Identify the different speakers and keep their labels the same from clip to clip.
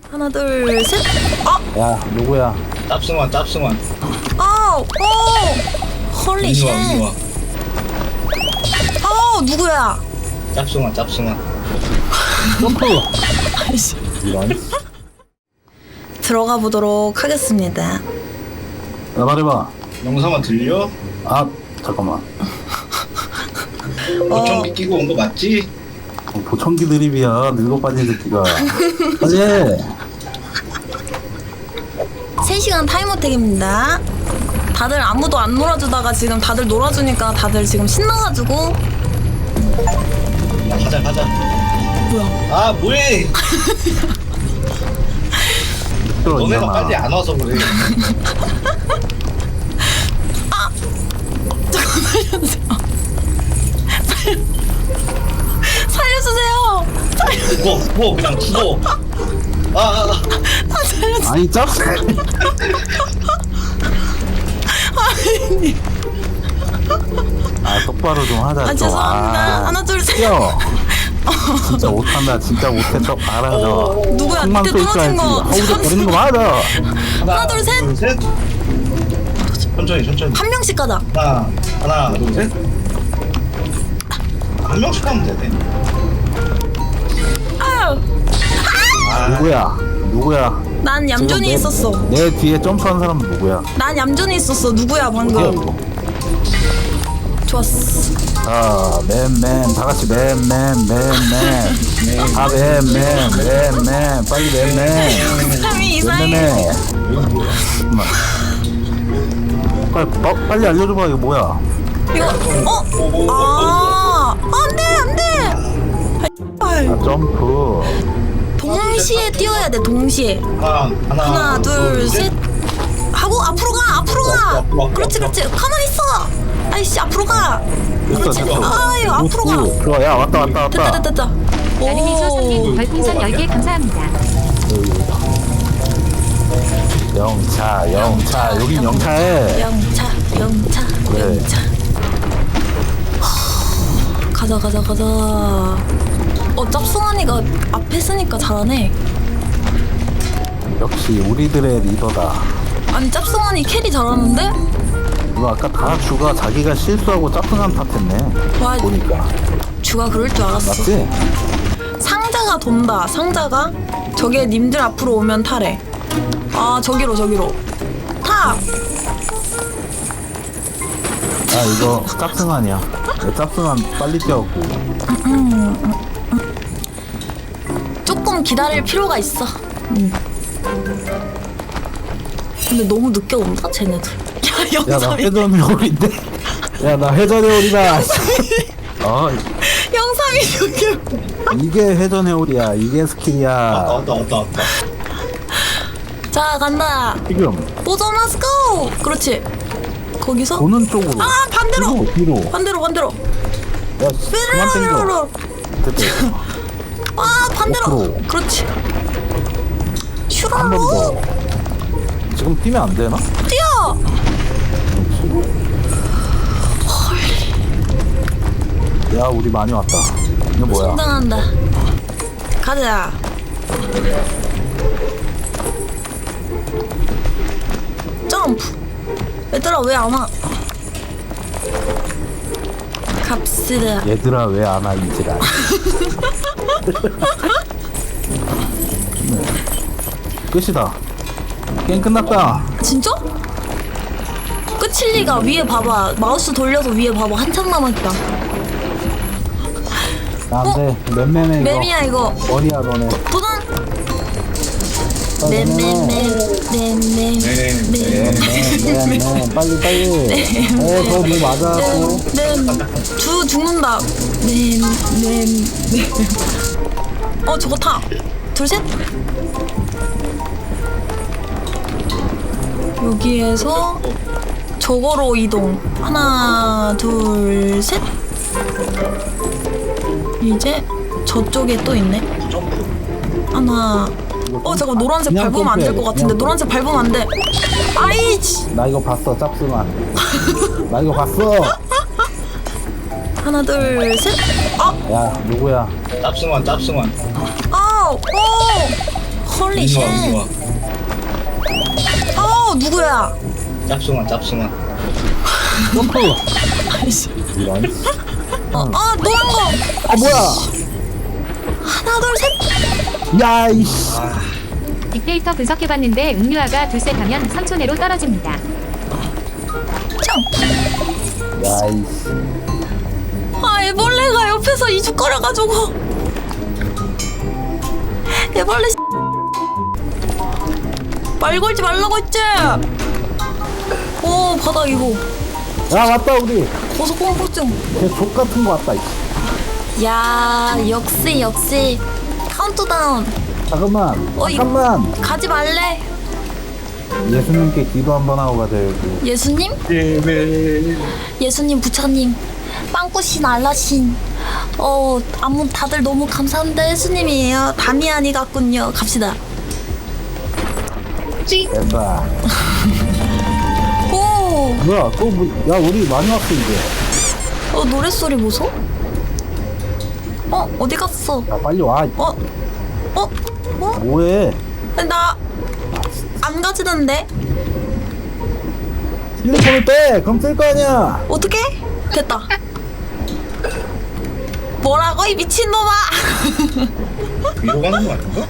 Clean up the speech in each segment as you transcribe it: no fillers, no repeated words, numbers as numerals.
Speaker 1: 하나 둘 셋.
Speaker 2: 야 누구야?
Speaker 3: 짭승환 짭승환.
Speaker 1: 오 홀리 쉣. 누구야?
Speaker 3: 짭승환 짭승환.
Speaker 2: 점프.
Speaker 1: 아이씨.
Speaker 2: 이런.
Speaker 1: 들어가 보도록 하겠습니다.
Speaker 2: 야 말해봐.
Speaker 3: 영상만 들려?
Speaker 2: 아 잠깐만.
Speaker 3: 보청기 끼고 온 거 맞지?
Speaker 2: 보청기 드립이야. 늙어 빠진 새끼가. 어제
Speaker 1: 3시간 타임어택입니다. 다들 아무도 안 놀아주다가 지금 다들 놀아주니까 다들 지금 신나가지고.
Speaker 3: 야, 가자.
Speaker 1: 뭐야?
Speaker 3: 아 뭐해? 너네가
Speaker 2: 들어있잖아.
Speaker 3: 빨리 안 와서 그래.
Speaker 1: 살려주세요.
Speaker 3: 죽어 그냥 죽어.
Speaker 1: 살려주세요.
Speaker 2: 아니 짭새. 아 똑바로 좀 하자. 좀.
Speaker 1: 죄송합니다. 하나 둘 셋.
Speaker 2: 뛰어. 진짜 못한다. 진짜 못해. 또 알아. 저.
Speaker 1: 누구야?
Speaker 2: 콩만
Speaker 1: 밑에 떨어진 거.
Speaker 2: 하우적 거리는 거 맞아.
Speaker 1: 하나, 둘, 셋.
Speaker 3: 천천히.
Speaker 1: 한 명씩 가자.
Speaker 3: 하나 둘 셋. 한 명씩 하면 되네.
Speaker 2: 누구야?
Speaker 1: 난 얌전히
Speaker 2: 지금
Speaker 1: 있었어.
Speaker 2: 내 뒤에 점프한 사람은 누구야?
Speaker 1: 난 얌전히 있었어. 누구야
Speaker 2: 어디야
Speaker 1: 방금?
Speaker 2: 이거?
Speaker 1: 좋았어.
Speaker 2: 자, 맨 다 같이 맨 아, 맨 빨리 맨
Speaker 1: 사람이 이상해.
Speaker 2: 빨리 알려줘봐. 이거 뭐야?
Speaker 1: 이거 안돼.
Speaker 2: 아, 점프.
Speaker 1: 동시에 뛰어야 돼. 동시에. 하나 둘 셋. 하고 앞으로 가. 그렇지. 가만히 있어. 아이씨 앞으로 가. 그렇지. 아유 앞으로 가.
Speaker 2: 좋아. 야 왔다.
Speaker 1: 됐다.
Speaker 4: 나르미소
Speaker 1: 오.
Speaker 4: 선생님 별풍선 10개 감사합니다.
Speaker 2: 영차. 여긴 영차해.
Speaker 1: 영차.
Speaker 2: 그래.
Speaker 1: 가자. 짭송한이가 앞에 있으니까 잘하네.
Speaker 2: 역시 우리들의 리더다.
Speaker 1: 아니 짭송한이 캐리 잘하는데?
Speaker 2: 이거 아까 다 주가 자기가 실수하고 짜증한 탓했네.
Speaker 1: 와,
Speaker 2: 보니까.
Speaker 1: 주가 그럴 줄 알았어.
Speaker 2: 맞지?
Speaker 1: 상자가 돈다. 상자가 저게 님들 앞으로 오면 타래. 아 저기로 타.
Speaker 2: 아 이거 짭승한이야. 짭승한 빨리 뛰었고.
Speaker 1: 조금 기다릴 필요가 있어. 근데 너무 늦게 온다 쟤네들. 야
Speaker 2: 야 나
Speaker 1: 영삼이.
Speaker 2: 회전 회오리인데. 야 나 회전 회오리다.
Speaker 1: 영삼이 저기.
Speaker 2: 이게 회전 회오리야. 이게 스킬이야.
Speaker 3: 왔다.
Speaker 1: 자 간다.
Speaker 2: 지금
Speaker 1: 도전 let's go. 그렇지. 거기서.
Speaker 2: 도는 쪽으로.
Speaker 1: 아 반대로.
Speaker 2: 뒤로.
Speaker 1: 반대로.
Speaker 2: 야 그만 땡겨.
Speaker 1: 삐르르르르.
Speaker 2: 됐다.
Speaker 1: 아 반대로.
Speaker 2: 옆으로.
Speaker 1: 그렇지.
Speaker 2: 한 번
Speaker 1: 슈라로
Speaker 2: 더. 지금 뛰면 안 되나?
Speaker 1: 뛰어.
Speaker 2: 야 우리 많이 왔다. 이거 뭐야?
Speaker 1: 성장한다. 가자. 점프. 얘들아 왜 안 와? 갑시다.
Speaker 2: 얘들아 왜 안 와 이지랄. 끝이다. 게임 끝났다.
Speaker 1: 진짜? 끝일 리가. 위에 봐봐. 마우스 돌려서 위에 봐봐. 한참 남았다.
Speaker 2: 나한테 맴매매 이거.
Speaker 1: 맴이야 이거.
Speaker 2: 머리야 너네.
Speaker 1: 도전.
Speaker 2: 빨리
Speaker 1: 맴.
Speaker 2: 빨리. 더뭐 맞아갖고.
Speaker 1: 주 죽는다. 저거 타. 둘 셋. 여기에서 저거로 이동. 하나 둘 셋. 이제 저쪽에 또 있네. 하나. 잠깐 노란색
Speaker 2: 그냥
Speaker 1: 밟으면 안 될 것
Speaker 2: 점프해,
Speaker 1: 같은데.
Speaker 2: 그냥
Speaker 1: 노란색 밟으면 안 돼. 아이치.
Speaker 2: 나 이거 봤어 짭승한. 나 이거 봤어.
Speaker 1: 하나 둘 셋.
Speaker 2: 야 누구야?
Speaker 3: 짭승환.
Speaker 1: 헐리 홀리 쉣. 누구야?
Speaker 3: 짭숭아 짭숭아.
Speaker 2: 점프.
Speaker 1: 아이씨.
Speaker 2: 이런.
Speaker 1: 노란 거.
Speaker 2: 아 뭐야?
Speaker 1: 하나 둘 셋.
Speaker 2: 야 이씨.
Speaker 4: 빅데이터 분석해봤는데 음유아가 둘셋 하면 3초 내로 떨어집니다.
Speaker 1: 점.
Speaker 2: 야 이씨.
Speaker 1: 애벌레가 옆에서 이죽거려가지고. 애벌레. 말 걸지 말라고 했지. 오 바닥 이거.
Speaker 2: 야 왔다 우리.
Speaker 1: 고소공포증.
Speaker 2: 걔족 같은 거 왔다. 이씨.
Speaker 1: 야 역시 카운트다운.
Speaker 2: 잠깐만.
Speaker 1: 이-
Speaker 2: 잠깐만.
Speaker 1: 가지 말래.
Speaker 2: 예수님께 기도 한번 하고 가자 여기.
Speaker 1: 예수님? 예수님 부처님 빵꾸신 알라신 다들 너무 감사합니다. 예수님이에요. 다미안이 같군요. 갑시다.
Speaker 2: 됐다.
Speaker 1: 오
Speaker 2: 뭐야 또 뭐, 야 우리 많이 왔어 이제.
Speaker 1: 노랫소리 보소? 어디 갔어?
Speaker 2: 야 빨리 와. 뭐해?
Speaker 1: 나 안 가지는데.
Speaker 2: 휴대폰을 빼. 그럼 쓸 거 아니야.
Speaker 1: 어떻게? 됐다. 뭐라고 이 미친놈아.
Speaker 3: 위로 가는 거 아닌가?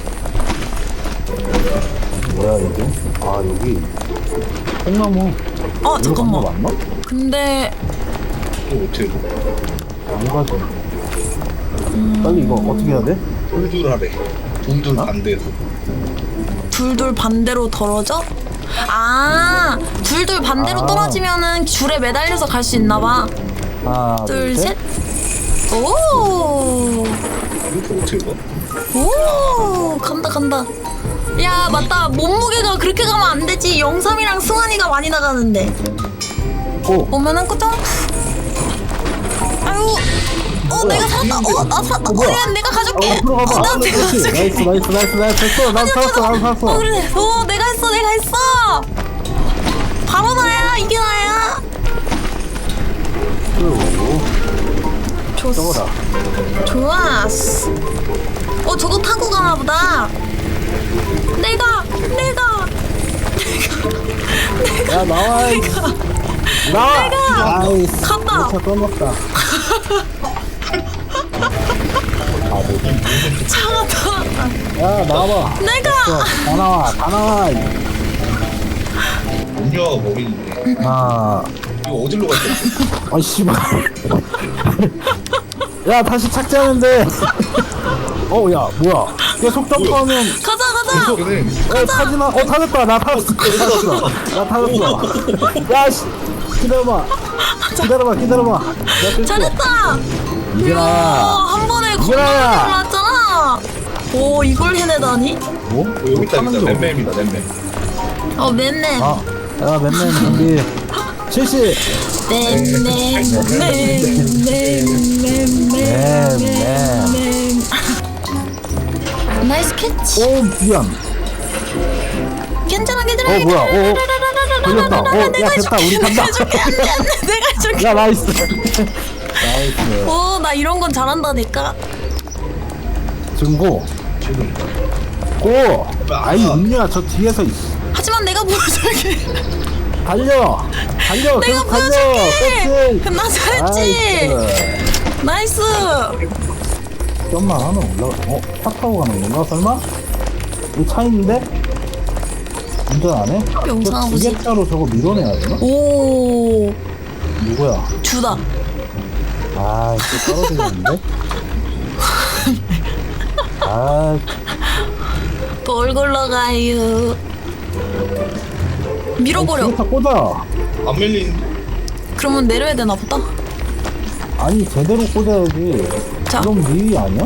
Speaker 2: 뭐야 이게? 아 여기 콩나무.
Speaker 1: 잠깐만.
Speaker 2: 이거 맞나?
Speaker 1: 근데
Speaker 3: 또 어떻게
Speaker 2: 뭐가 좀. 빨리 이거 어떻게 해야 돼?
Speaker 3: 돌둘하래. 돌둘 반대로.
Speaker 1: 둘둘 반대로 떨어져? 둘둘 반대로 떨어지면은 줄에 매달려서 갈 수 있나봐.
Speaker 2: 하나
Speaker 1: 둘, 셋. 오,
Speaker 3: 이렇게 어떻게 가?
Speaker 1: 오, 간다. 야, 맞다. 몸무게가 그렇게 가면 안 되지. 영삼이랑 승환이가 많이 나가는데.
Speaker 2: 오.
Speaker 1: 오면은 그 점프. 아유, 내가 살았다. 나 살았다.
Speaker 2: 뭐야?
Speaker 1: 그래, 내가 가줄게.
Speaker 2: 앞으로 가봐.
Speaker 1: 나 내가
Speaker 2: 그렇지.
Speaker 1: 가줄게.
Speaker 2: 나이스 됐어. 난 살았어.
Speaker 1: 그래. 내가 했어. 바로 나야. 이게 나야.
Speaker 2: 저거다.
Speaker 1: 좋았어. 저거 타고 가나 보다. 내가.
Speaker 2: 야 나와. 나와.
Speaker 1: 내가.
Speaker 2: 나이스.
Speaker 1: 갔다.
Speaker 2: 차 떠났다.
Speaker 1: 차가 타.
Speaker 2: 야 나와봐.
Speaker 1: 내가.
Speaker 2: 다 나와.
Speaker 3: 음료가 머리 있네.
Speaker 2: 아.
Speaker 3: 이거 어디로 갔지?
Speaker 2: 아 씨발. 야 다시 착지하는데. 야 뭐야? 계속 점프하면.
Speaker 1: 가자.
Speaker 3: 그래.
Speaker 2: 타지마. 타졌다. 나 타졌어. 야씨. 기다려봐. 내가
Speaker 1: 잘했다.
Speaker 2: 이겨라.
Speaker 1: 한 번에 겁나
Speaker 2: 이겨라.
Speaker 1: 올랐잖아. 오, 이걸 해내다니?
Speaker 2: 뭐?
Speaker 3: 여기 있다.
Speaker 2: 타는 게
Speaker 3: 맴맴이다. 맴맴.
Speaker 1: 맨맨.
Speaker 2: 야 맨맨 준비. 70.
Speaker 1: 나이스 캐치.
Speaker 2: 오 미안.
Speaker 1: 괜찮아.
Speaker 2: 뭐야? 걸렸다. 야 됐다. 우리 간다.
Speaker 1: 내가 해줄게.
Speaker 2: 야 나이스.
Speaker 1: 나 이런 건 잘한다니까.
Speaker 2: 지금 고.
Speaker 3: 지금.
Speaker 2: 고. 아이 음료야 저 뒤에서
Speaker 1: 하지만 내가 보여줄게.
Speaker 2: 달려.
Speaker 1: 내가
Speaker 2: 계속
Speaker 1: 보여줄게.
Speaker 2: 달려.
Speaker 1: 나 잘했지. 나이스.
Speaker 2: 좀만 하면 올라가. 차 타고 가는 건가 설마? 이 차 있는데? 운전 안 해?
Speaker 1: 영상 아버지.
Speaker 2: 기계차로 저거 밀어내야 되나?
Speaker 1: 오,
Speaker 2: 누구야?
Speaker 1: 주다.
Speaker 2: 아, 또 떨어지겠는데? 아,
Speaker 1: 또 얼굴 나가요. 밀어버려.
Speaker 2: 기계차 꽂아.
Speaker 3: 안 밀린.
Speaker 1: 그러면 내려야 되나 보다.
Speaker 2: 아니, 제대로 꽂아야지.
Speaker 1: 자.
Speaker 2: 그럼 네 아니야?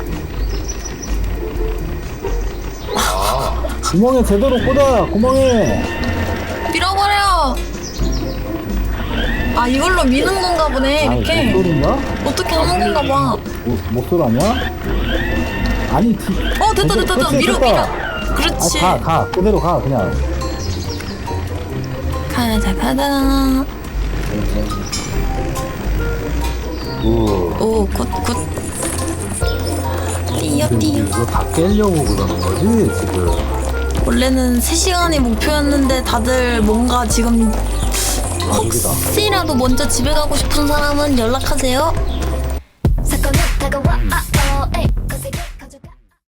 Speaker 2: 구멍에 제대로 꽂아. 구멍에.
Speaker 1: 밀어버려. 이걸로 미는 건가 보네. 이렇게.
Speaker 2: 목소리인가?
Speaker 1: 어떻게 하는 건가 봐.
Speaker 2: 목소리 아니야? 아니,
Speaker 1: 됐다.
Speaker 2: 그렇지,
Speaker 1: 밀어.
Speaker 2: 됐다.
Speaker 1: 그렇지.
Speaker 2: 가. 그대로 가, 그냥.
Speaker 1: 가자.
Speaker 2: 오.
Speaker 1: 오, 굿. 뛰어 뛰어.
Speaker 2: 이거 다 깨려고 그러는 거지 지금.
Speaker 1: 원래는 3시간이 목표였는데 다들 뭔가 지금
Speaker 2: 여기다.
Speaker 1: 혹시라도 먼저 집에 가고 싶은 사람은 연락하세요.